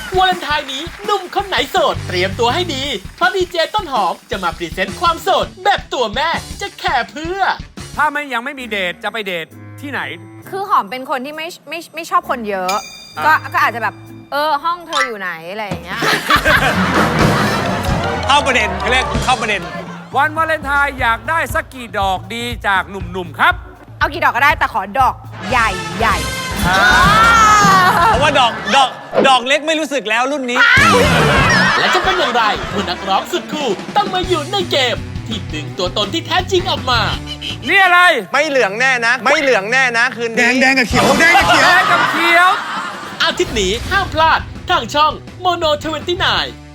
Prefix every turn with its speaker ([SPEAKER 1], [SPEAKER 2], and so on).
[SPEAKER 1] วาเลนไทน์นี้หนุ่มคนไหนโสดเตรียมตัวให้ดีเพราะดีเจต้นหอมจะมาพรีเซนต์ความโสดแบบตัวแม่จะแค่เพื่อ
[SPEAKER 2] ถ้ายังไม่มีเดทจะไปเดทที่ไหน
[SPEAKER 3] คือหอมเป็นคนที่ไม่ชอบคนเยอะ ก็อาจจะแบบห้องเธออยู่ไหนอะไรอย่างเงี้ย
[SPEAKER 4] เข้าประเด็นเขาเรียกเข้าประเด็น
[SPEAKER 2] วันวาเลนไทน์อยากได้สักกี่ดอกดีจากหนุ่มๆครับ
[SPEAKER 3] เอากี่ดอกก็ได้แต่ขอดอกใหญ่ใหญ่
[SPEAKER 4] เพราะว่าดอกเล็กไม่รู้สึกแล้วรุ่นนี้
[SPEAKER 1] และจะเป็นอย่างไรเมื่อนักร้องสุดคู่ต้องมาอยู่ในเกม ที่ดึงตัวตนที่แท้จริงออกมา
[SPEAKER 2] นี่อะไร
[SPEAKER 5] ไม่เหลืองแน่นะ ไม่เหลืองแน่นะคืน
[SPEAKER 6] แด
[SPEAKER 5] นี้
[SPEAKER 6] งแดงกับเขียวแดงกับเขียว
[SPEAKER 2] แดงกับเขียว
[SPEAKER 1] อาทิตย์นี้ห้ามพลาดทางช่องโมโน29